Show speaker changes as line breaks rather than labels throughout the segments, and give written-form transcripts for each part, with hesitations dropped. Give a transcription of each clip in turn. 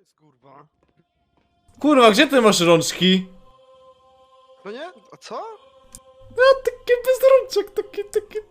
jest kurwa?
Kurwa, gdzie ty masz rączki?
No nie? A co?
Takie bez rączek, takie...
Co ty?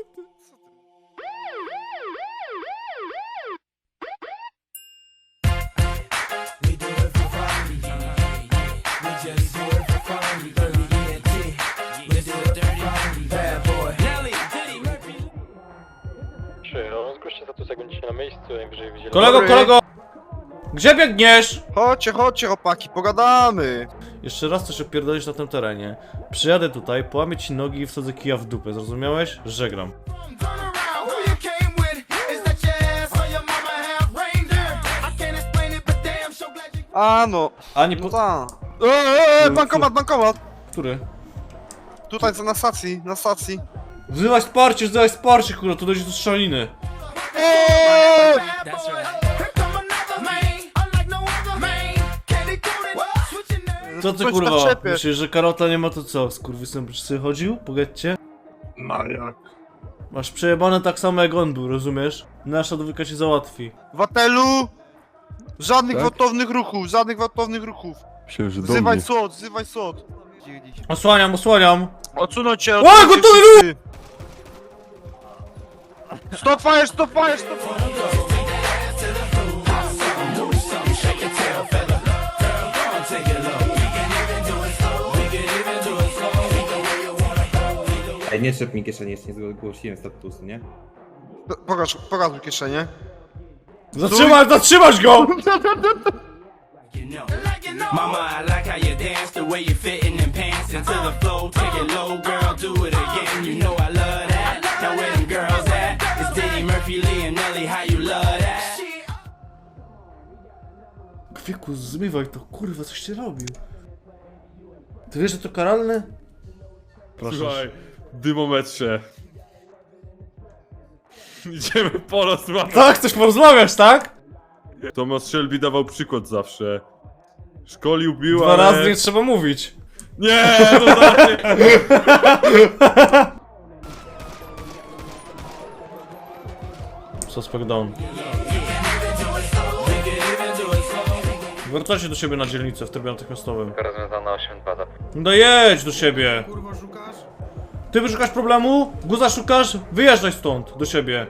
Zgłoście status, jak będziecie na miejscu, najwyżej widzieli.
Kolego! Gdzie biegniesz?
Chodźcie, chodźcie chłopaki, pogadamy!
Jeszcze raz coś opierdolisz na tym terenie. Przyjadę tutaj, połamię ci nogi i wsadzę kija w dupę, zrozumiałeś? Żegnam.
A no,
A nie
no
po...
ta. Bankomat!
Który?
Tutaj co na stacji,
Wzywaj wsparcie, kurwa, tu dojdzie do strzeliny. Co ty
Chodź,
kurwa?
tak trzepiesz.
Myślisz, że Karota nie ma to co? Skurwysem byś sobie chodził? Pogadźcie?
No jak?
Masz przejebane tak samo jak on był, rozumiesz? Nasza dwójka się załatwi.
Watelu! Żadnych
Tak?
gwałtownych ruchów,
Myślę, że do
Wzywaj
mnie.
SWOT!
Osłaniam!
Odsunąć się,
O,
odsunąć się
gotowy
wszyscy. Stop fire!
Ej, nie trzep mi kieszeni, jeszcze nie zgłosiłem statusu, nie?
Pokaż mi kieszenie.
Zatrzymać go!
Mama, I like how you dance, the way you fit in them pants into the flow. Take it low, girl, do it again. You know I love that. Now where them girls at? It's Diddy, Murphy, Lee, and Nelly. How you love that?
Kwieku, zmywaj to, kurwa, coś ty robił. Ty wiesz, że to karalne? Proszę.
Słuchaj, dymometrze. Idziemy porozmawiać.
Tak, chcesz porozmawiać, tak?
Thomas Shelby dawał przykład zawsze. Szkolił, bił,
Dwa
ale...
razy nie trzeba mówić.
Nie, no znaczy...
Suspect down. Wracajcie do siebie na dzielnicę w trybie natychmiastowym.
Rozwiązana 8-2
No jedź do siebie! Ty wyszukasz problemu? Guza szukasz? Wyjeżdżaj stąd, do siebie.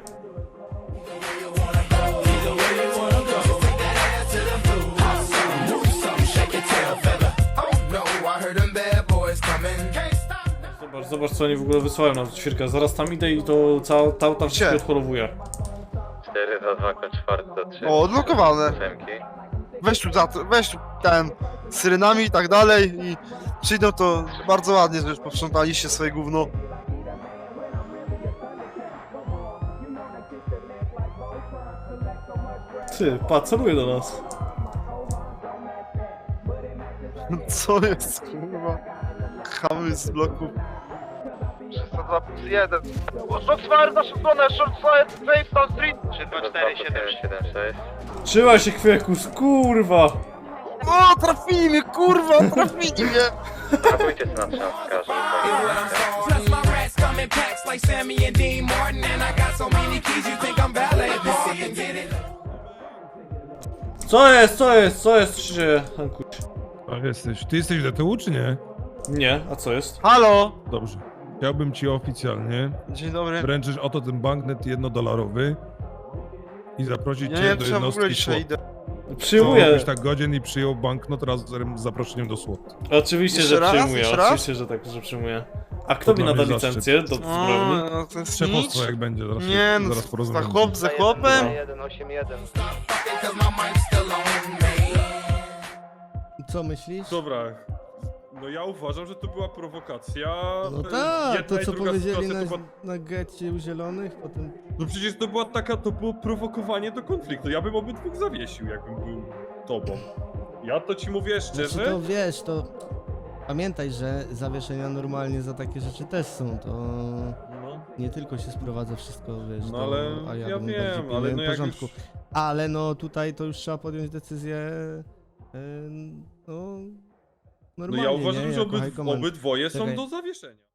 Zobacz co oni w ogóle wysłają na ćwierkę. Zaraz tam idę i to cała ta tam się
Gdzie?
odholowuje.
4 do 2, kod 4 do 3.
O, odblokowane. Weź tu ten z syrenami i tak dalej i przyjdą to bardzo ładnie, że już posprzątaliście swoje gówno.
Ty, pa, celuje do nas.
Co jest kurwa? Chamy z bloku. 302 plus 1. Short fire w naszą stronę, short fire, Facedown Street.
32476.
Trzymaj się kwiekus, kurwa!
O, trafili mnie, kurwa, trafili mnie.
Próbujcie sobie na trzaskarzy.
Plus my rats come in packs like Sammy and Dean Martin. And I got so many keys, you think I'm valet parking. Get it?
Co jest, co się dzieje? Hankuś?
Tak jesteś. Ty jesteś do tyłu, czy nie?
Nie, a co jest?
Halo.
Dobrze. Chciałbym ci oficjalnie
Dzień dobry.
wręczyć oto ten banknet $1 i zaprosić
Ja
cię
nie wiem,
do
czy ja w ogóle
jednostki
dzisiaj
SWAT.
idę.
Przyjmuję.
Byś tak godzien i przyjął banknot razem z zaproszeniem do SWAT.
Oczywiście,
Jeszcze
że
raz?
przyjmuję,
Jeszcze raz?
oczywiście, że tak, że przyjmuję. A kto mi
dla
nada
mnie
licencję do
O,
zbrojni?
no to jest
Szefostwo
nic.
jak będzie, zaraz,
Nie, no
zaraz
za
porozmawiamy.
chłop ze chłopem.
181.
Cause my mic's still on me.
Co myślisz?
Dobra. No ja uważam, że to była prowokacja.
No tak,
Jedna
to
i
co
druga
powiedzieli
sytuacja
na,
to była...
na getcie u zielonych, potem...
No przecież to była taka, to było prowokowanie do konfliktu. Ja bym obydwóch zawiesił, jakbym był tobą. Ja to ci mówię
Znaczy
szczerze.
to wiesz, to... Pamiętaj, że zawieszenia normalnie za takie rzeczy też są, to...
No.
Nie tylko się sprowadza wszystko, wiesz,
No
do...
ale
a
ja
bym
wiem,
bardziej
ale
pilnuję
no jak
porządku.
już...
Ale no tutaj to już trzeba podjąć decyzję... no...
No
Normalnie,
ja uważam,
nie?
że
Jako high command.
obydwoje są
Czekaj.
do zawieszenia.